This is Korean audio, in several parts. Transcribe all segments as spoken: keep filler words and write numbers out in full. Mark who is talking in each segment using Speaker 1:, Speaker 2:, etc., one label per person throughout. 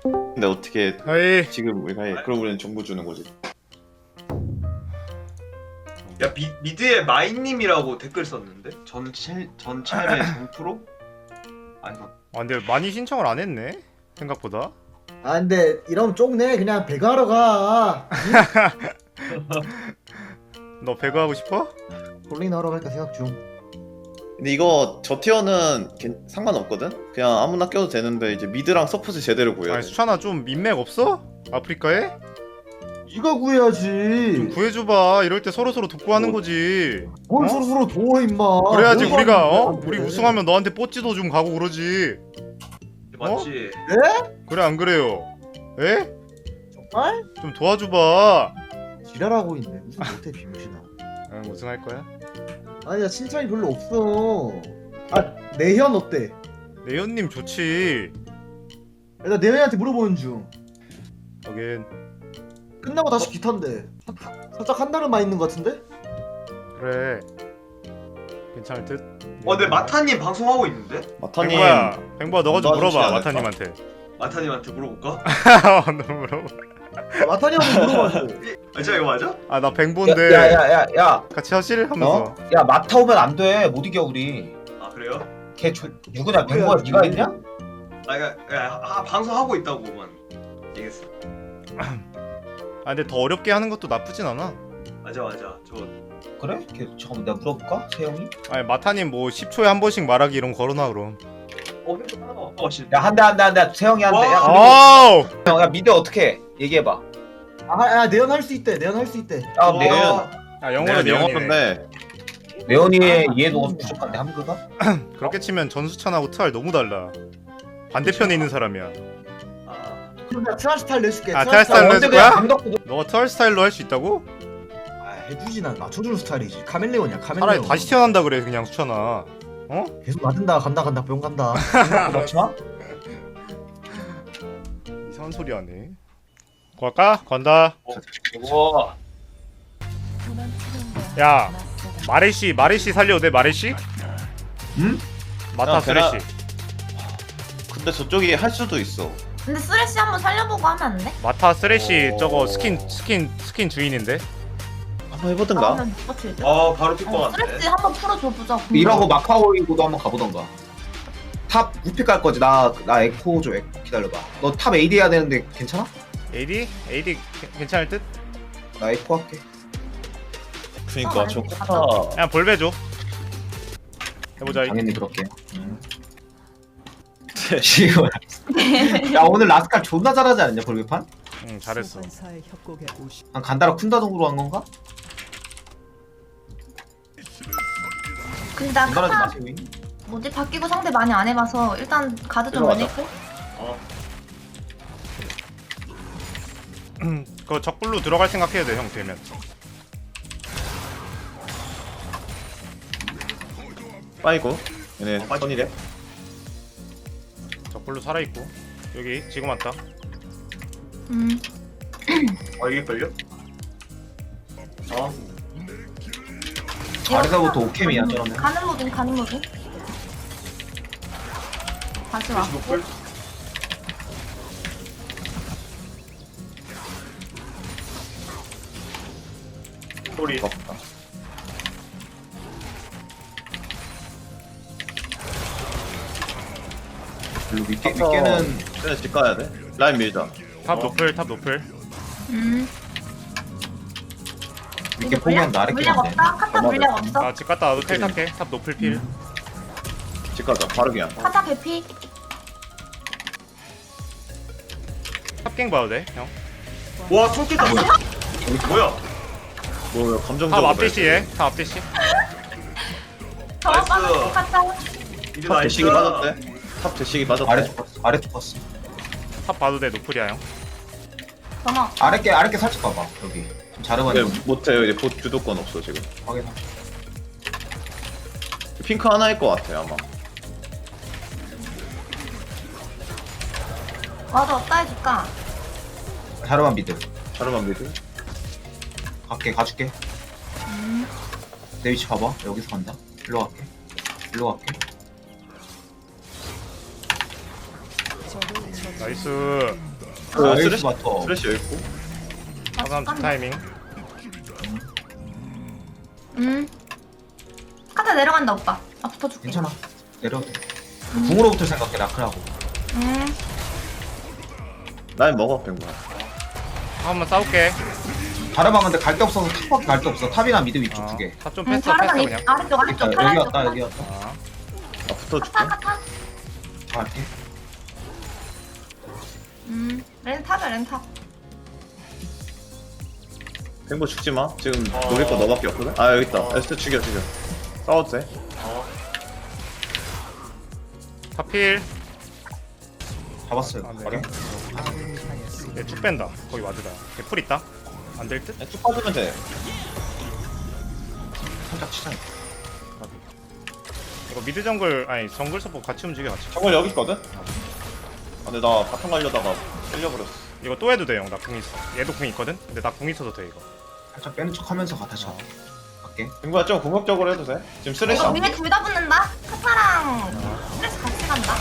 Speaker 1: 근데 어떻게
Speaker 2: 하이.
Speaker 1: 지금 우리가 해? 그럼 우리는 정보 주는 거지.
Speaker 3: 야 미, 미드에 마인님이라고 댓글 썼는데? 전체 전체의 정프로? 아니
Speaker 2: 아 근데 많이 신청을 안 했네 생각보다.
Speaker 4: 아 근데 이러면 쪽네. 그냥 배그하러 가.
Speaker 2: 너 배그 하고 싶어?
Speaker 4: 롤링 하러 갈까 생각 중.
Speaker 1: 근데 이거 저 티어는 괜- 상관없거든? 그냥 아무나 껴도 되는데 이제 미드랑 서포트 제대로 구해야
Speaker 2: 아니
Speaker 1: 돼.
Speaker 2: 수찬아 좀 민맥 없어? 아프리카에?
Speaker 4: 네가 구해야지.
Speaker 2: 좀 구해줘봐. 이럴 때 서로서로 돕고 하는 거지.
Speaker 4: 뭘
Speaker 2: 어?
Speaker 4: 서로 서로 도와 임마.
Speaker 2: 그래야지
Speaker 4: 뭘
Speaker 2: 우리가
Speaker 4: 도와주는데,
Speaker 2: 어?
Speaker 4: 나한테.
Speaker 2: 우리 우승하면 너한테 뽀찌도 좀 가고 그러지.
Speaker 3: 맞지?
Speaker 2: 그래 안 그래요? 에?
Speaker 4: 정말?
Speaker 2: 좀 도와줘봐.
Speaker 4: 지랄하고 있네. 무슨 못해 비무신아.
Speaker 2: 응 우승할 거야?
Speaker 4: 아니야 칭찬이 별로 없어. 아 내현 어때?
Speaker 2: 내연님 좋지.
Speaker 4: 야, 나 내현이한테 물어보는 중.
Speaker 2: 여긴
Speaker 4: 끝나고 다시 기탄데. 살짝 한달은 많이 있는 것 같은데?
Speaker 2: 그래. 괜찮을 듯.
Speaker 3: 어 근데 마타님 방송하고 있는데?
Speaker 1: 마타님
Speaker 2: 뱅보야, 뱅보야 너가 좀
Speaker 1: 도와주지
Speaker 2: 물어봐
Speaker 1: 않을까?
Speaker 2: 마타님한테.
Speaker 3: 마타님한테 물어볼까?
Speaker 2: 너 물어봐.
Speaker 4: 아, 마타니 형도 물어봐줘.
Speaker 3: 아 진짜 이거 맞아?
Speaker 2: 아 나 뱅보인데
Speaker 5: 야야야야
Speaker 2: 같이 하실 하면서.
Speaker 5: 야 마타 오면 안 돼. 못 이겨 우리.
Speaker 3: 아 그래요?
Speaker 5: 걔 조, 누구냐? 뱅보야 네가 했냐?
Speaker 3: 아 그니까 야, 하, 방송하고 있다고만 얘기했어.
Speaker 2: 아 근데 더 어렵게 하는 것도 나쁘진 않아.
Speaker 3: 맞아 맞아 저
Speaker 5: 그래? 걔 잠깐만 내가 물어볼까? 세영이?
Speaker 2: 아니 마타님 뭐 십 초에 한 번씩 말하기 이런 거 걸어놔 그럼.
Speaker 3: 어, 핸드폰 하나가 어, 씨.
Speaker 5: 야 한 대 한 대 한 대 세영이 한 대. 야,
Speaker 2: 아우.
Speaker 5: 형, 야 미드 어떻게 해? 얘기해봐.
Speaker 4: 아, 야 내현 할 수 있대. 내현 할 수 있대.
Speaker 5: 야
Speaker 3: 와.
Speaker 5: 내연
Speaker 2: 아 영어로
Speaker 1: 네, 영어
Speaker 2: 내연이네.
Speaker 1: 건데
Speaker 5: 내연이의 얘도 부족한데 함그가?
Speaker 2: 그렇게 치면 전수찬하고 트알 너무 달라. 반대편에 있는 사람이야.
Speaker 3: 아,
Speaker 4: 그럼 내가 트라시 스타일 내줄게.
Speaker 2: 아,
Speaker 4: 트라시
Speaker 2: 트라시 스타일
Speaker 5: 언제
Speaker 2: 해줄
Speaker 5: 그냥
Speaker 2: 거야?
Speaker 5: 감독도
Speaker 2: 너가 트알 스타일로 할 수 있다고?
Speaker 4: 아 해주지. 난 맞춰주는 스타일이지. 카멜레온이야 카멜레온.
Speaker 2: 차라리 다시 태어난다 그래 그냥 수찬아. 어?
Speaker 4: 계속 맞은다 간다 간다 병 간다.
Speaker 5: 그렇지 마?
Speaker 2: 이상한 소리 하네. 갈까? 간다.
Speaker 3: 와
Speaker 2: 야 마레시 마레시 살려도 돼 마레시?
Speaker 5: 응?
Speaker 2: 마타
Speaker 1: 야, 걔나-
Speaker 2: 쓰레시.
Speaker 1: 근데 저쪽이 할 수도 있어.
Speaker 6: 근데 쓰레쉬 한번 살려보고 하면 안 돼?
Speaker 2: 마타 쓰레시
Speaker 1: 오.
Speaker 2: 저거 스킨 스킨 스킨 주인인데.
Speaker 1: 한번 해보든가.
Speaker 6: 그러면 못 버틸 듯?
Speaker 3: 아 바로
Speaker 6: 어,
Speaker 3: 픽방한데.
Speaker 6: 쓰레쉬 한번 풀어줘보자.
Speaker 5: 이러고 마카오이고도 한번 가보던가. 탑 우픽 갈 거지. 나 나 에코 줘. 에코 기다려봐. 너 탑 에이디 해야 되는데 괜찮아?
Speaker 2: 에이디? 에이디 괜찮을 듯?
Speaker 5: 나 에코 할게.
Speaker 1: 그니까
Speaker 6: 어,
Speaker 1: 저
Speaker 6: 알겠어.
Speaker 1: 코타
Speaker 2: 그냥 볼배 줘. 해보자.
Speaker 5: 당연히 그렇게. 지금 야 오늘 라스칼 존나 잘하지 않냐 볼배판?
Speaker 2: 응 잘했어.
Speaker 5: 한 간다라 쿤다동으로 한 건가?
Speaker 6: 근데 나
Speaker 5: 간다라지
Speaker 6: 카타
Speaker 5: 마세요.
Speaker 6: 뭐지 바뀌고 상대 많이 안 해봐서 일단 가드 좀
Speaker 5: 들어가자.
Speaker 6: 올릴게.
Speaker 3: 어.
Speaker 2: 그거 적불로 들어갈 생각해야 돼 형 되면.
Speaker 1: 빠이고 얘네
Speaker 3: 어, 빠지-
Speaker 1: 선이래.
Speaker 2: 적불로 살아있고 여기 지금 왔다.
Speaker 6: 음.
Speaker 3: 어 이게 걸려? 어
Speaker 5: 아래서부터 오캠이야 저러면.
Speaker 6: 가는 무빙 가는 무빙. 다시 와.
Speaker 3: 노플. 소리.
Speaker 1: 없다.
Speaker 5: 별로 윗개,
Speaker 1: 아까-
Speaker 5: 윗개는
Speaker 1: 그래 집 가야 돼. 라인 밀자.
Speaker 2: 탑 노플 탑 노플.
Speaker 6: 음.
Speaker 5: 윗개 포기한다. 아래
Speaker 6: 물량
Speaker 5: 끼는데.
Speaker 6: 없다. 카타 물량 없어.
Speaker 2: 아 집 갔다 와도 텔 탈게. 탑 노플 필.
Speaker 1: 집 가자. 바로 그냥.
Speaker 6: 카타 개피.
Speaker 2: 탑갱 봐도 돼 형.
Speaker 3: 와 손짓다. 뭐야?
Speaker 1: 뭐
Speaker 2: 탑
Speaker 1: 감정적으로.
Speaker 2: 앞대시에 탑 앞대시.
Speaker 6: 더
Speaker 3: 나이스.
Speaker 6: 빠졌고 카타.
Speaker 3: 이제
Speaker 1: 탑
Speaker 3: 나이스.
Speaker 1: 대식이 빠졌대. 탑 대식이 빠졌대.
Speaker 5: 아래 쪽 봤어. 아래 쪽 봤어.
Speaker 2: 탑 봐도 돼 노플이야 형.
Speaker 6: 전화.
Speaker 5: 아래 게 아래 게 살짝 봐봐. 여기 좀 자르만.
Speaker 1: 근데 못해요. 이제 보 주도권 없어 지금.
Speaker 5: 확인.
Speaker 1: 핑크 하나일 것 같아 아마.
Speaker 6: 맞아 어디다 해줄까?
Speaker 5: 자르만 미드.
Speaker 1: 자르만 미드.
Speaker 5: 갈게 가줄게.
Speaker 6: 음.
Speaker 5: 내 위치 봐봐. 여기서 간다. 일로 갈게. 일로 갈게.
Speaker 2: 나이스.
Speaker 1: 어,
Speaker 5: 나이스
Speaker 1: 쓰레쉬
Speaker 5: 바터.
Speaker 1: 쓰레쉬 여기 있고.
Speaker 6: 아,
Speaker 2: 사람
Speaker 6: 잠깐만.
Speaker 2: 타이밍.
Speaker 6: 음. 카드 내려간다 오빠. 아 붙어줄게.
Speaker 5: 괜찮아. 내려도 돼. 궁으로부터 생각해 라크라고.
Speaker 6: 음.
Speaker 1: 난 먹어 뱅구야.
Speaker 2: 한번 싸울게.
Speaker 5: 다른 방인데 갈 데 없어서 탑밖에 갈 데 없어. 탑이나 미드 위쪽 두 개.
Speaker 2: 탑좀
Speaker 6: 음,
Speaker 2: 뺐어
Speaker 6: 다른
Speaker 2: 뺐어
Speaker 6: 방
Speaker 2: 그냥.
Speaker 6: 아래쪽 아래쪽
Speaker 5: 그러니까
Speaker 6: 팔
Speaker 5: 여기
Speaker 6: 아래쪽.
Speaker 5: 왔다 여기 왔다.
Speaker 2: 아,
Speaker 1: 나 붙어줄게.
Speaker 6: 카타 카타.
Speaker 5: 갈게.
Speaker 6: 음. 렌탑이야 렌탑.
Speaker 1: 뱅구 죽지 마. 지금
Speaker 3: 어.
Speaker 1: 노릴 거 너밖에 없거든. 아 여기 있다.
Speaker 3: 어.
Speaker 1: 에스트 죽여 죽여. 싸워도 돼.
Speaker 3: 어.
Speaker 2: 타필.
Speaker 5: 잡았어요.
Speaker 2: 아, 네.
Speaker 5: 가려.
Speaker 2: 얘쭉 뺀다. 거기 와드다. 개풀 있다. 안 될 듯?
Speaker 1: 그냥 쭉 빠지면 돼.
Speaker 5: 살짝 치자.
Speaker 2: 이거 미드 정글 아니 정글 서포 같이 움직여 같이.
Speaker 1: 정글 여기 있거든. 아, 근데 나 바텀 가려다가 끌려버렸어.
Speaker 2: 이거 또 해도 돼 형. 나 궁 있어. 얘도 궁 있거든. 근데 나 궁 있어도 돼 이거.
Speaker 5: 살짝 빼는 척하면서 가 다시 가.
Speaker 2: 어.
Speaker 5: 갈게.
Speaker 1: 뱅구야 좀 공격적으로 해도 돼. 지금 쓰레쉬
Speaker 6: 이거
Speaker 1: 안
Speaker 6: 위에 둘 다 붙는다. 카타랑 스트레스 같이 간다.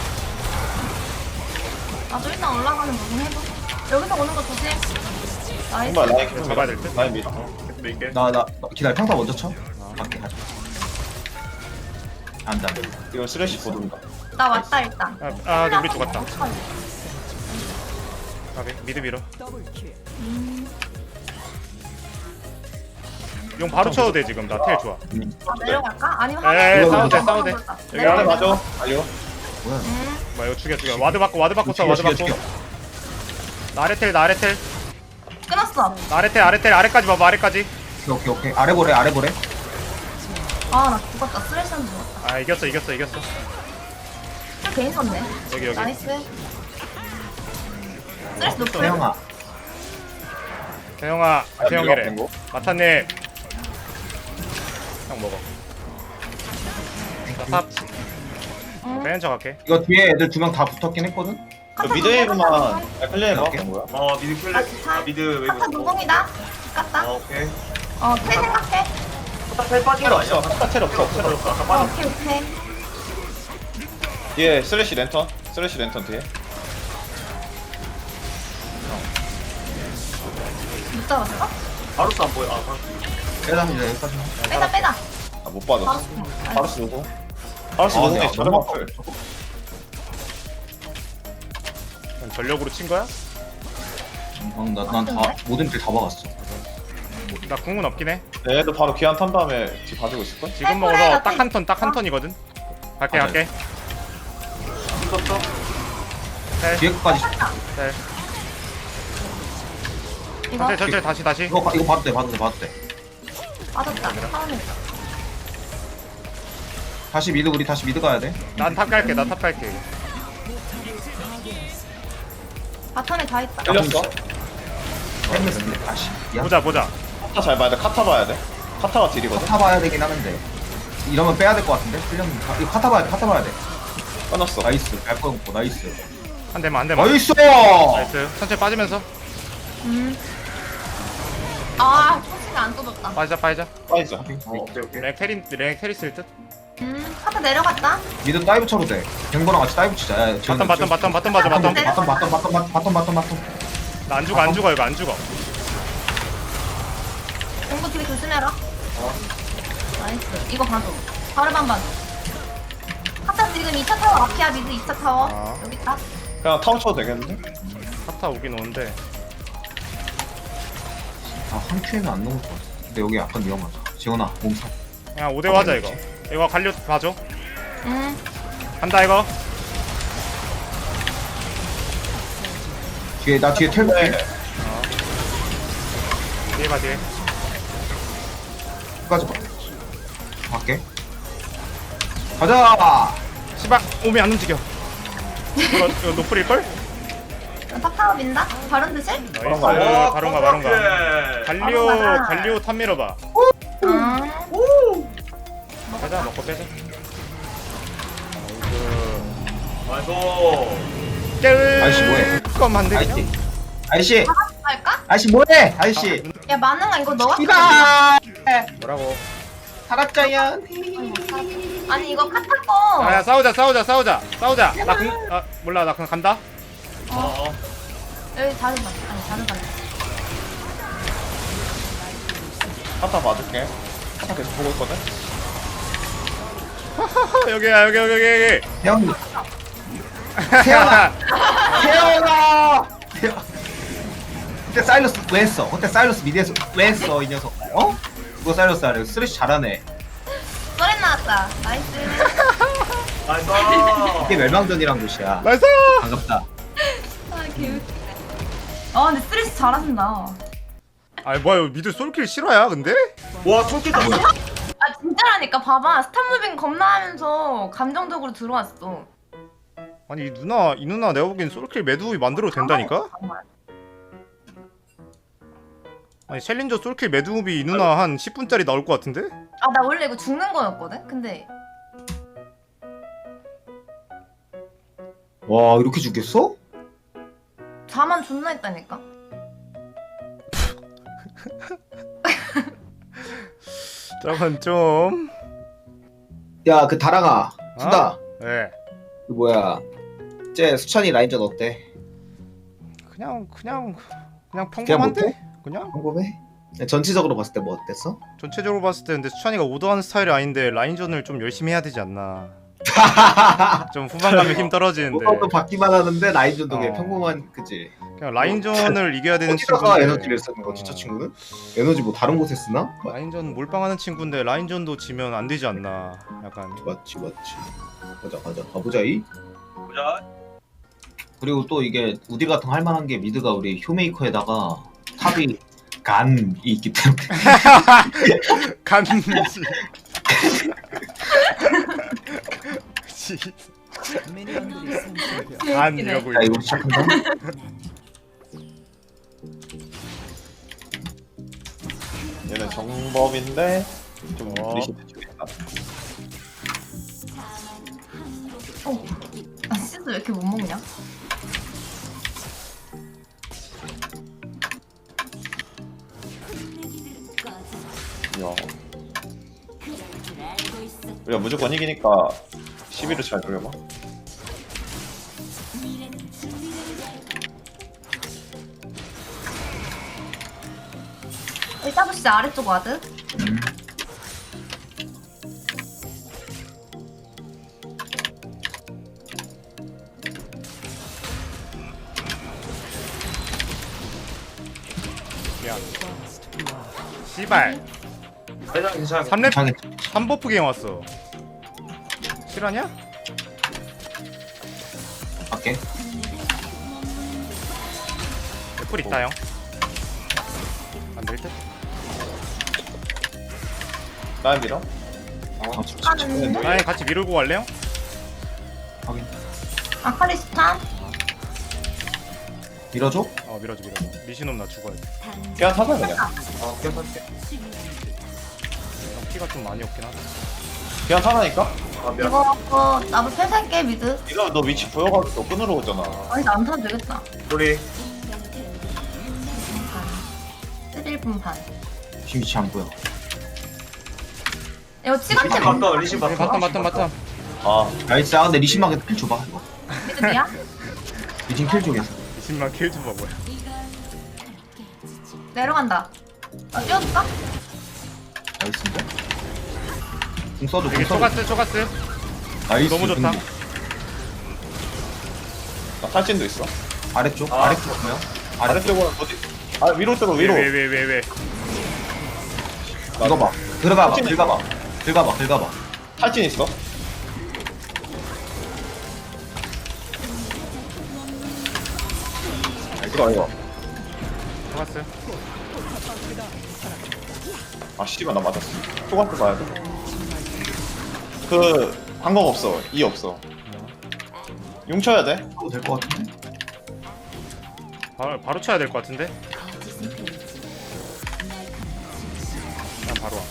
Speaker 6: 나도 일단 올라가는 부분 해도. 여기서 오는 거 조심. 나이스.
Speaker 1: 뱅구야 라인 계속
Speaker 2: 잡아야 될 듯?
Speaker 1: 라인 밀어.
Speaker 3: 밀게.
Speaker 5: 나 나 기다려. 평타 먼저 쳐. 갈게 가자. 안돼 안돼.
Speaker 1: 이거 쓰레쉬 보든가.
Speaker 6: 나 왔다 일단.
Speaker 2: 아, 아 근데 우리 죽었다. 가게 미드 밀어.
Speaker 6: 음.
Speaker 2: 용 바로 쳐도 돼 지금. 나 텔 좋아.
Speaker 6: 아 내려갈까? 아니면
Speaker 2: 에이,
Speaker 6: 하늘
Speaker 5: 싸워도 돼,
Speaker 2: 싸워도 돼.
Speaker 1: 여기
Speaker 6: 내려가.
Speaker 1: 안에 맞아. 알려.
Speaker 5: 뭐야?
Speaker 6: 음.
Speaker 2: 뭐 이거 죽여 죽여. 와드 받고 와드 받고 써
Speaker 5: 죽여
Speaker 2: 와드
Speaker 5: 죽여
Speaker 2: 받고.
Speaker 5: 죽여.
Speaker 2: 나 아래 텔 나 아래 텔.
Speaker 6: 끊었어.
Speaker 2: 나 아래 텔 아래 텔 아래까지 봐봐 아래까지.
Speaker 5: 오케이 오케이 오케이. 아래 보래 아래 보래.
Speaker 6: 아 나 죽었다. 쓰레쉬는 죽었다.
Speaker 2: 아 이겼어 이겼어 이겼어.
Speaker 6: 술 괜히 썼네.
Speaker 2: 여기 여기.
Speaker 6: 나이스. 쓰레쉬 높을.
Speaker 5: 태영아.
Speaker 2: 태영아 태영이래.
Speaker 1: 뱅구.
Speaker 2: 마타님. 형 먹어. 나탑
Speaker 6: 응.
Speaker 2: 빼는 척 할게.
Speaker 5: 이거 뒤에 애들 두 명 다 붙었긴 했거든.
Speaker 1: 너 미드 웨이브만 클리어 해봐.
Speaker 5: 오케이.
Speaker 1: 뱅구야.
Speaker 3: 어 미드 클레. 아 미드 웨이브.
Speaker 6: 카타 노공이다.
Speaker 3: 아
Speaker 6: 깠다.
Speaker 3: 오케이.
Speaker 6: 어, 텔 생각해.
Speaker 3: 텔 빠진
Speaker 1: 텔
Speaker 3: 거
Speaker 1: 없어.
Speaker 3: 아니야?
Speaker 1: 카타 텔 없어. 텔 없어.
Speaker 3: 아까
Speaker 6: 어,
Speaker 3: 빠진.
Speaker 6: 오케이, 오케이.
Speaker 1: 뒤에 쓰레쉬 랜턴. 쓰레쉬 랜턴 뒤에.
Speaker 6: 못 잡았어?
Speaker 3: 바루스 안 보여. 아 바루스.
Speaker 5: 빼다 이제 여기까지.
Speaker 6: 빼다, 빼다.
Speaker 1: 아 못 받았어.
Speaker 6: 바로.
Speaker 1: 바루스 누구? 바루스
Speaker 5: 아,
Speaker 1: 누구지?
Speaker 5: 네,
Speaker 1: 저렴
Speaker 5: 너무
Speaker 1: 앞을.
Speaker 2: 형 전력으로 친 거야?
Speaker 5: 난난다 모든 길 다 박았어.
Speaker 2: 나 궁은 없긴 해.
Speaker 1: 얘도 바로 귀한 탄 다음에 뒤 봐주고 있을걸?
Speaker 2: 지금
Speaker 6: 텔
Speaker 2: 먹어서
Speaker 6: 텔
Speaker 2: 딱 한 턴 딱 한 턴이거든. 갈게
Speaker 1: 아,
Speaker 2: 갈게.
Speaker 3: 이겼어.
Speaker 2: 텔
Speaker 5: 뒤에 끝까지.
Speaker 2: 텔.
Speaker 6: 이거
Speaker 2: 천천히 천천히 다시 다시.
Speaker 5: 이거 봐- 이거 봐도 돼 봐도 돼 봐도 돼.
Speaker 6: 맞았다. 처음에.
Speaker 5: 다시 미드 우리 다시 미드 가야 돼.
Speaker 2: 난 탑 갈게 나 탑 갈게.
Speaker 6: 바텀에 다 있다.
Speaker 1: 끌렸어?
Speaker 5: 헬멧 근데 다시. 야
Speaker 2: 보자 보자.
Speaker 1: 카타 잘 봐야 돼. 카타 봐야 돼. 카타가 딜이거든.
Speaker 5: 카타 봐야 되긴 하는데. 이러면 빼야 될 것 같은데. 풀렸는데. 이거 카타 봐야 돼 카타 봐야 돼.
Speaker 1: 끊었어.
Speaker 5: 나이스. 갈 뻔했고 나이스.
Speaker 2: 한 대만 한 대만.
Speaker 5: 나이스.
Speaker 2: 나이스. 천천히 빠지면서
Speaker 6: 음. 아, 초식이 안 떠졌다.
Speaker 2: 빠지자 빠지자.
Speaker 1: 빠지자.
Speaker 5: 어,
Speaker 3: 오케이 오케이.
Speaker 2: 랭 테리 랭 테리스일 듯.
Speaker 6: 음, 카타 내려갔다.
Speaker 5: 미드 다이브 쳐도 돼. 갱보랑 같이 다이브 치자. 야, 지금-
Speaker 2: 바텀 바텀 바텀 바텀 맞아
Speaker 5: 바텀
Speaker 2: 바텀.
Speaker 5: 바텀 바텀 바텀 바텀 바텀 바텀.
Speaker 2: 나 안 죽어 안 죽어 이거 안 죽어.
Speaker 6: 공부 뒤에 조심해라. 나이스. 이거 봐줘. 바르반 봐줘. 카타 지금 이 차 타워 앞이야, 미드 이 차 타워.
Speaker 2: 아.
Speaker 6: 여기 있다.
Speaker 1: 그냥 타워 쳐도 되겠는데?
Speaker 2: 카타 오긴 오는데.
Speaker 5: 아한 큐에는 안 넘을 것 같아. 근데 여기 약간 위험하다. 지원아 몸살.
Speaker 2: 그냥 오 대 오 하자 이거. 이거 갈려 봐줘.
Speaker 6: 음.
Speaker 2: 간다 이거.
Speaker 5: 뒤에 나 뒤에 텔 볼게.
Speaker 1: 네.
Speaker 2: 뒤에 봐 뒤에.
Speaker 5: 끝까지 봐. 갈게. 가자.
Speaker 2: 시박 오미 안 움직여. 이거 이거 노플일 걸?
Speaker 6: 탑 타워 민다. 바른 듯이?
Speaker 2: 나이스.
Speaker 1: 바론가.
Speaker 2: 바론가 바론가.
Speaker 3: 오케이.
Speaker 2: 갈리오
Speaker 6: 바론가.
Speaker 2: 갈리오 탑 밀어봐.
Speaker 6: 음.
Speaker 2: 빼자 먹고 빼자. 나이스.
Speaker 3: 나이스.
Speaker 5: 아이씨, 뭐해?
Speaker 2: 껌한데
Speaker 5: 아이씨.
Speaker 2: 그냥?
Speaker 5: 아이씨.
Speaker 6: 할까?
Speaker 5: 아이씨 뭐해? 아이씨.
Speaker 6: 야, 만능아 이거 너가
Speaker 5: 이봐.
Speaker 2: 뭐라고?
Speaker 5: 살았자연.
Speaker 6: 아니 이거 카타 거.
Speaker 2: 아야 싸우자 싸우자 싸우자 싸우자. 나 그, 아 몰라 나 그냥 간다.
Speaker 3: 어.
Speaker 6: 여기 자르반 아니 자르반.
Speaker 1: 카타 봐줄게. 카타 계속 보고 있거든.
Speaker 2: 여기야 여기 여기 여기.
Speaker 5: 태영 태영아 태영아 태영 그때 사일러스 왜 했어? 그때 사일러스 미드에서 왜 했어 이 녀석 어? 그거 사일러스 하래 쓰레쉬 잘하네
Speaker 6: 쏘렌 나왔다. 나이스.
Speaker 3: 나이스.
Speaker 5: 이게 멸망전이란 곳이야
Speaker 2: 나이스.
Speaker 5: 반갑다
Speaker 6: 아 개웃기네. 아 근데 쓰레쉬 잘하신다.
Speaker 2: 아니 뭐야 이거 미드 솔킬 실화야 근데?
Speaker 3: 와 손길 땄어.
Speaker 6: 아 진짜라니까 봐봐 스탑무빙 겁나 하면서 감정적으로 들어왔어.
Speaker 2: 아니 이 누나 이 누나 내가 보기엔 솔킬 매듭이 만들어도 된다니까?
Speaker 6: 정말.
Speaker 2: 아니 챌린저 솔킬 매듭이 이 누나 한 십 분짜리 나올 것 같은데?
Speaker 6: 아 나 원래 이거 죽는 거였거든? 근데
Speaker 5: 와 이렇게 죽겠어?
Speaker 6: 자만 존나 했다니까?
Speaker 2: 저건 좀...
Speaker 5: 야 그 다랑아 수다
Speaker 2: 네
Speaker 5: 그 뭐야 쟤 수찬이 라인전 어때?
Speaker 2: 그냥 그냥 그냥
Speaker 5: 그냥
Speaker 2: 평범한데?
Speaker 5: 못해?
Speaker 2: 그냥?
Speaker 5: 평범해? 전체적으로 봤을 때 뭐 어땠어?
Speaker 2: 전체적으로 봤을 때 근데 수찬이가 오더하는 스타일이 아닌데 라인전을 좀 열심히 해야 되지 않나 좀 후반감에 힘 떨어지는데
Speaker 5: 뭐가 받기만 하는데 라인전도 그냥
Speaker 2: 어.
Speaker 5: 평범한 그지?
Speaker 2: 그냥 라인전을 이겨야 되는
Speaker 5: 어디다가
Speaker 2: 친구인데
Speaker 5: 에너지를 쓰는 거지 저 친구는? 에너지 뭐 다른 곳에 쓰나?
Speaker 2: 라인전 몰빵하는 친구인데 라인전도 지면 안 되지 않나 약간
Speaker 5: 맞지 맞지 가자 가자 가보자 이
Speaker 3: 보자.
Speaker 5: 그리고 또 이게 우디 같은 거 할만한 게 미드가 우리 효메이커에다가 탑이 간이 있기 때문에
Speaker 2: 간지 간 이러고
Speaker 5: 자
Speaker 2: 있네.
Speaker 5: 이거 시작한다
Speaker 1: 얘는 정법인데 좀
Speaker 2: 어.
Speaker 1: 리시트 주겠다.
Speaker 6: 어. 아 시스 왜 이렇게 못 먹냐?
Speaker 1: 야. 우리가 무조건 이기니까 시비를 잘 돌려봐.
Speaker 6: 여기 따부시 아래쪽 와드?
Speaker 2: 미안 씨발
Speaker 3: 괜찮아 괜찮아.
Speaker 2: 삼 렙
Speaker 5: 장애
Speaker 2: 삼 버프 갱 왔어 실화냐?
Speaker 5: 밖에
Speaker 2: 애플 있다 형 안될 듯?
Speaker 1: 나 밀어?
Speaker 5: 아,
Speaker 6: 하는
Speaker 2: 나랑 같이 미루고 갈래요?
Speaker 5: 확인
Speaker 6: 아칼리스탄?
Speaker 5: 밀어줘?
Speaker 2: 어 밀어줘 밀어줘 미신놈 나 죽어야 돼
Speaker 1: 그냥 타자 그냥.
Speaker 3: 어 괜찮게.
Speaker 2: 형 피가 좀 많이 없긴 하다
Speaker 1: 그냥 타자니까?
Speaker 3: 아 미안.
Speaker 6: 이거 어, 나도 폐살게 미드.
Speaker 1: 이러면 너 위치 보여가지고 너 끊으러 오잖아.
Speaker 6: 아니 나안 타도 되겠다.
Speaker 3: 우리
Speaker 6: 일 분 반.
Speaker 5: 지금 위치 안 보여
Speaker 6: 이거 치간제
Speaker 3: 리신 봤다 리신 봤다.
Speaker 2: 바텀 바텀 바텀
Speaker 1: 아,
Speaker 5: 나이스 아 근데 리신마게 킬 줘봐 이거
Speaker 6: 미드야?
Speaker 5: 리신 킬 쪽에서
Speaker 2: 이십만 킬 좀 봐봐요
Speaker 6: 내려간다. 아, 뛰어줄까?
Speaker 5: 나이스인데? 공 써줘 공
Speaker 2: 여기
Speaker 5: 써줘
Speaker 2: 초가스 초가스
Speaker 5: 나이스
Speaker 2: 너무 좋다.
Speaker 5: 근데.
Speaker 1: 나 탈진도 있어.
Speaker 5: 아래쪽?
Speaker 3: 아.
Speaker 5: 아래쪽 뭐야? 아래쪽
Speaker 1: 아래쪽으로 어디? 아 위로 쪽으로 위로.
Speaker 2: 왜 왜 왜 왜
Speaker 5: 이거 봐 들어가봐 들어가봐 들어가봐 들어가봐
Speaker 1: 탈진 있어. 이거 이거.
Speaker 2: 초가스
Speaker 1: 아 씨발 나 맞았어. 초반때 봐야 돼. 그 방법 없어. 이 없어. 용 쳐야 돼.
Speaker 5: 해도 될 것 같은데?
Speaker 2: 바로, 바로 쳐야 될 것 같은데? 난 바로 와.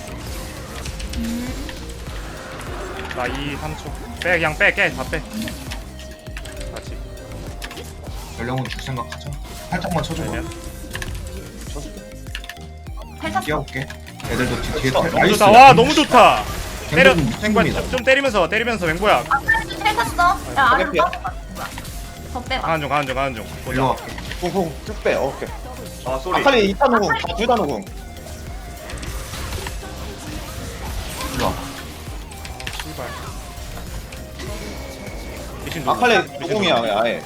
Speaker 2: 나 이, 삼 초. 빼, 그냥 빼, 깨, 다 빼. 같이.
Speaker 5: 연령은 줄 생각하자 살짝만 쳐줘봐
Speaker 2: 되면.
Speaker 6: 펠 탔어.
Speaker 5: 뛰어볼게 애들도 뒤- 뒤에
Speaker 1: 너무
Speaker 2: 너무 좋다. 와, 너무 좋다. 때려,
Speaker 5: 갱돈
Speaker 2: 탱관
Speaker 5: 충분이다.
Speaker 2: 좀, 좀 때리면서, 때리면서, 맹보야.
Speaker 6: 아, 펠 탔어. 야, 아래로
Speaker 1: 오케이야.
Speaker 6: 빠져. 뭐야. 더 빼봐.
Speaker 2: 가는 중 가는 중 가는 중
Speaker 5: 일로 와.
Speaker 2: 보자.
Speaker 1: 궁궁 쭉 빼. 어, 오케이.
Speaker 3: 아 쏘리.
Speaker 1: 아칼리 이 타 노궁 다둘 다 노궁.
Speaker 5: 일로 와.
Speaker 2: 씨발. 미신 누구?
Speaker 1: 아칼리
Speaker 2: 미신
Speaker 1: 노궁이야
Speaker 2: 누구?
Speaker 1: 아예.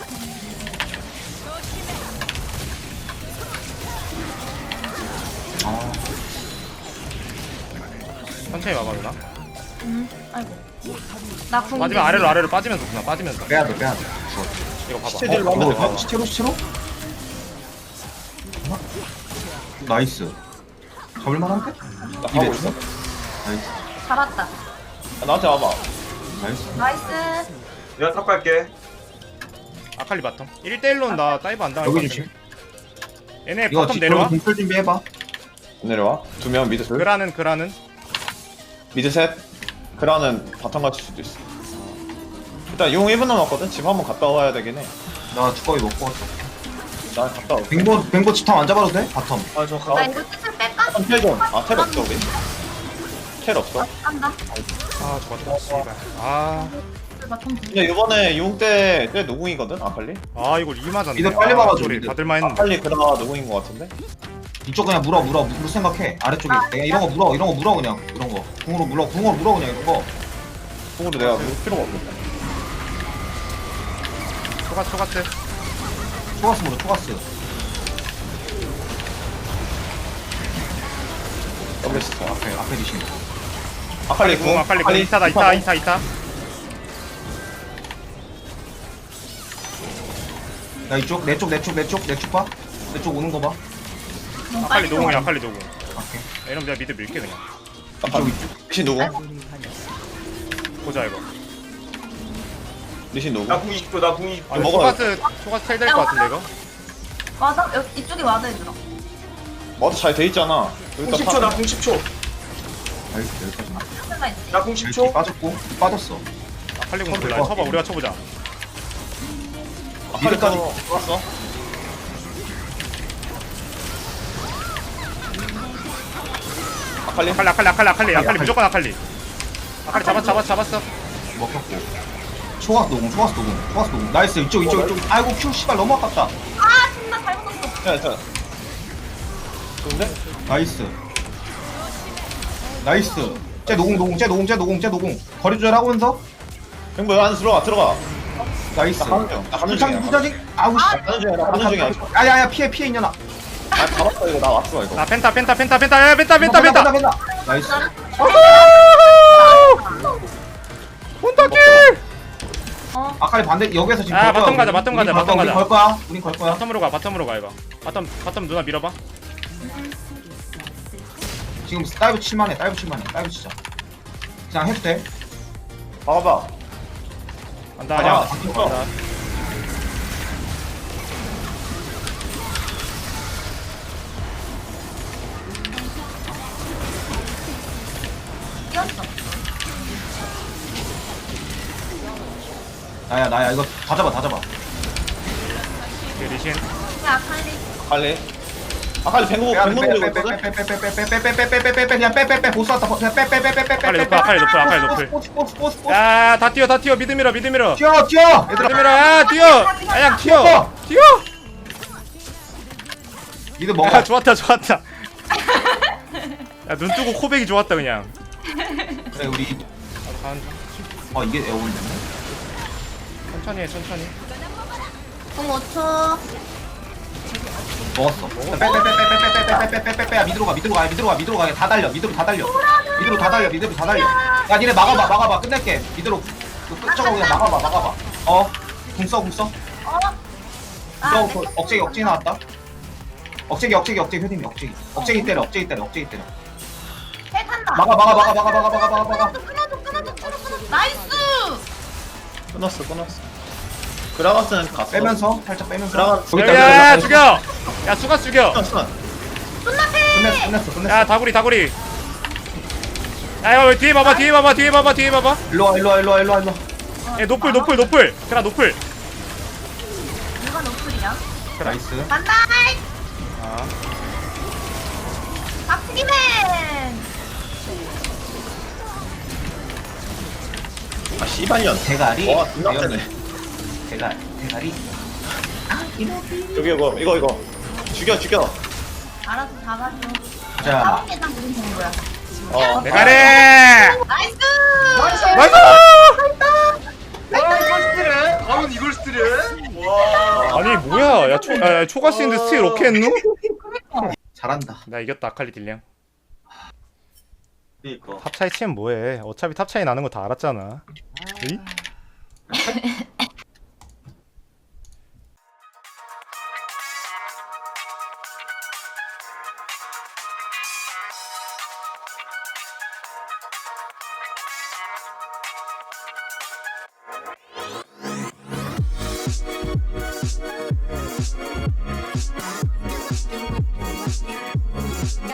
Speaker 5: 아,
Speaker 2: 천천히 와봐 누나.
Speaker 6: 음, 아이고. 나 궁.
Speaker 2: 빠지면 아래로 아래로 빠지면서 누나 빠지면서.
Speaker 5: 빼야 돼, 빼야 돼. 죽어.
Speaker 2: 이거 봐봐.
Speaker 1: 시체 딜로
Speaker 5: 어,
Speaker 1: 하면 돼.
Speaker 5: 이거
Speaker 1: 봐봐.
Speaker 5: 시체로 시체로? 나이스. 잡을만한데?
Speaker 1: 나 가고 있어.
Speaker 5: 나이스.
Speaker 6: 잡았다.
Speaker 1: 아, 나한테 와봐.
Speaker 5: 나이스.
Speaker 6: 나이스.
Speaker 3: 내가 탑 갈게.
Speaker 2: 아칼리 바텀. 일 대 일로는 나 다이브 안 당할 것
Speaker 5: 여기
Speaker 2: 같아.
Speaker 5: 조심.
Speaker 2: 얘네
Speaker 5: 이거
Speaker 2: 바텀 내려와.
Speaker 5: 공풀 준비해봐.
Speaker 1: 내려와. 두 명 미드 둘.
Speaker 2: 그라는 그라는.
Speaker 1: 미드 셋. 그라는 바텀 갇힐 수도 있어. 일단 용 일 분 남았거든. 집 한번 갔다 와야 되긴 해.
Speaker 5: 나 두꺼비 먹고 왔어.
Speaker 1: 나 갔다 올게.
Speaker 5: 뱅보 뱅보 집탐 안 잡아도 돼? 바텀.
Speaker 1: 아저
Speaker 6: 나
Speaker 1: 가.
Speaker 6: 이거 뜻을 뺄까?
Speaker 1: 텔 좀. 아 텔 없어 우리. 텔 없어.
Speaker 6: 간다.
Speaker 2: 아 저거 씨발. 아.
Speaker 6: 바텀
Speaker 1: 근데 이번에 용 때, 때 노궁이거든 아칼리?
Speaker 2: 아 이거 리 맞았네.
Speaker 5: 이거 빨리
Speaker 2: 아,
Speaker 5: 막아줘,
Speaker 2: 소리
Speaker 5: 이거.
Speaker 2: 받을만 했는데.
Speaker 1: 아칼리 그라 노궁인 것 같은데?
Speaker 5: 이쪽 그냥 물어 물어 물을 생각해. 아래쪽에
Speaker 6: 아,
Speaker 5: 내가 이런 거 물어 이런 거 물어 그냥 이런 거. 궁으로 물어 궁으로 물어 그냥 이런 거.
Speaker 1: 궁으로 내가 물 필요가 없거든.
Speaker 2: 초가 초가스.
Speaker 5: 초가스 물어 초가스.
Speaker 1: 더블 시스.
Speaker 5: 앞에 앞에 디신.
Speaker 1: 아칼리
Speaker 2: 궁
Speaker 1: 궁.
Speaker 2: 아칼리 궁 이타다 이타 이타 이타.
Speaker 5: 나 이쪽 내 쪽 내 쪽 내 쪽 내 쪽 봐. 내 쪽 오는 거 봐.
Speaker 2: 아칼리 노궁이야 아칼리 노궁.
Speaker 5: 오케이.
Speaker 2: 이러면 내가 미드 밀게 그냥.
Speaker 1: 아칼리. 리신 노궁.
Speaker 2: 보자 이거.
Speaker 1: 리신 노궁.
Speaker 3: 나궁 이십 초. 나궁 이십 초.
Speaker 2: 아,
Speaker 1: 먹어요.
Speaker 2: 초가스 초가스 텔 될 것 같은데 이거.
Speaker 6: 와서 여기 이쪽에 와서 해주라.
Speaker 1: 머드 잘 돼 있잖아.
Speaker 3: 궁 십 초. 나궁 십 초.
Speaker 5: 나이스 여기까지 나.
Speaker 6: 잠깐만.
Speaker 3: 나궁 십
Speaker 5: 초
Speaker 3: 초.
Speaker 5: 빠졌고 빠졌어.
Speaker 2: 아칼리 궁 몰라. 쳐봐 우리가 쳐보자.
Speaker 1: 아칼리까지 왔어. 아칼리.
Speaker 2: 아칼리 아칼리 아칼리 아칼리 아칼리 무조건 아칼리. 아칼리 잡았 잡았 잡았어.
Speaker 5: 먹혔고. 초가스 노공 초가스 노공 초가스 노공. 나이스 이쪽 이쪽 이쪽. 아이고 큐 씨발 너무 아깝다.
Speaker 6: 아, 진짜 잘못 썼어.
Speaker 1: 자, 자. 좋은데?
Speaker 5: 나이스. 나이스. 쟤 노공 노공 쟤 노공 쟤 노공 쟤 노공. 거리 조절하면서
Speaker 1: 형부 안에 들어가 들어가.
Speaker 5: 나이스.
Speaker 1: 나 가는 중. 나 가는
Speaker 5: 불창
Speaker 1: 중이야.
Speaker 5: 불창 아우 씨.
Speaker 1: 나 가는 중이야. 나 가는 중이야.
Speaker 5: 아야야 피해 피해 있냐나.
Speaker 1: 아 잡았어 이거 나 왔어 이거.
Speaker 2: 나 펜타 펜타 펜타 펜타 야 펜타 펜타 펜타.
Speaker 5: 펜타. 나이스.
Speaker 2: 혼다킬.
Speaker 6: 어.
Speaker 5: 아칼리 반대 여기서 지금
Speaker 2: 아,
Speaker 5: 걸 거야,
Speaker 2: 바텀 가자,
Speaker 5: 우리.
Speaker 2: 바텀
Speaker 5: 우리
Speaker 2: 가자,
Speaker 5: 걸
Speaker 2: 바텀
Speaker 5: 거야, 우리
Speaker 2: 가자.
Speaker 5: 걸 거야. 우린 걸 거야.
Speaker 2: 바텀으로 가 바텀으로 가 이거. 바텀 바텀 누나 밀어봐.
Speaker 5: 지금 다이브 칠만해. 다이브 칠만해. 다이브 치자. 그냥 해도 돼.
Speaker 1: 봐봐.
Speaker 2: 간다
Speaker 1: 아니야.
Speaker 2: 아니야. 간다.
Speaker 6: 뛰었어.
Speaker 5: 나야 나야 이거 다 잡아 다 잡아.
Speaker 2: 오케이, 리신.
Speaker 6: 야, 아칼리.
Speaker 1: 아칼리. 아칼리 뱅고 뱅고 노리고 있거든?
Speaker 5: 빼빼빼빼빼빼빼빼빼빼빼빼빼 그냥 빼빼빼 보스 왔다. 그냥 빼빼빼빼빼빼.
Speaker 2: 아칼리 높을 아칼리 높을 아칼리 높을.
Speaker 5: 보스 보스 보스 보스.
Speaker 2: 야다 뛰어 다 뛰어 미드 밀어 미드 밀어.
Speaker 5: 뛰어 뛰어.
Speaker 2: 미드 밀어 야 뛰어. 야양 뛰어. 뛰어.
Speaker 5: 미드 먹어.
Speaker 2: 야 좋았다 좋았다. 야 눈 뜨고 코백이 좋았다 그냥.
Speaker 5: 그래 우리
Speaker 2: 아, 간-
Speaker 5: 어 이게 에어건 됐네.
Speaker 2: 천천히 해 천천히.
Speaker 6: 궁 오 초.
Speaker 5: 먹었어. 빼빼빼빼빼빼빼빼빼빼빼 밑으로 가 밑으로 가 밑으로 가 밑으로 가. 다 달려 밑으로 다 달려. 밑으로 다 달려 밑으로 다 달려. 야 니네 막아봐 막아봐 끝낼게. 밑으로 그 끝쪽으로 그냥 막아봐 막아봐. 어. 궁써 궁써.
Speaker 6: 어. 아,
Speaker 5: 너
Speaker 6: 내
Speaker 5: 그 억제기 억제기 나왔다. 억제기 억제기 억제기 효님이 억제기. 억제기 때려 억제기 때려 억제기 때려.
Speaker 6: 텔 탄다.
Speaker 5: 막아 막아 막아 막아 막아 막아 막아 막아.
Speaker 6: 끊어줘, 끊어줘, 끊어줘, 끊어줘. 나이스.
Speaker 1: 끊었어 끊었어. 그라가스는 갔어.
Speaker 5: 빼면서 살짝 빼면서.
Speaker 1: 그라가스.
Speaker 2: 야야 죽여. 야 수가 죽여.
Speaker 1: 끊었어.
Speaker 6: 존나 패.
Speaker 5: 끝냈어 끝냈어 끝냈어.
Speaker 2: 야 다구리 다구리. 야 이거 뒤에 봐봐 뒤에 봐봐 뒤에 봐봐 뒤에 봐봐.
Speaker 5: 일로 와 일로 와 일로 와 일로 와 일로 와.
Speaker 2: 야 노플 노플 노플. 그라 노플.
Speaker 6: 누가 노플이야?
Speaker 5: 나이스.
Speaker 6: 간다.
Speaker 2: 아
Speaker 6: 박치기맨.
Speaker 1: 아 씨발년.
Speaker 5: 대가리.
Speaker 1: 와 존나 세네.
Speaker 5: 대가 대가리.
Speaker 1: 여기 이거 이거 이거 죽여 죽여.
Speaker 6: 알아서 잡아줘.
Speaker 5: 자.
Speaker 6: 나온 게다 무슨 정보야?
Speaker 1: 어.
Speaker 2: 메가리!
Speaker 6: 나이스!
Speaker 2: 나이스!
Speaker 3: 와 이걸 스틸해? 바로 이걸 스틸해? 와.
Speaker 2: 아니 뭐야? 야, 초, 야, 야 초가스인데 스틸 오케이 했누?
Speaker 5: 잘한다.
Speaker 2: 나 이겼다 아칼리 딜량.
Speaker 3: 그니까.
Speaker 2: 탑 차이 치면 뭐해? 어차피 탑 차이 나는 거 다 알았잖아. 에이?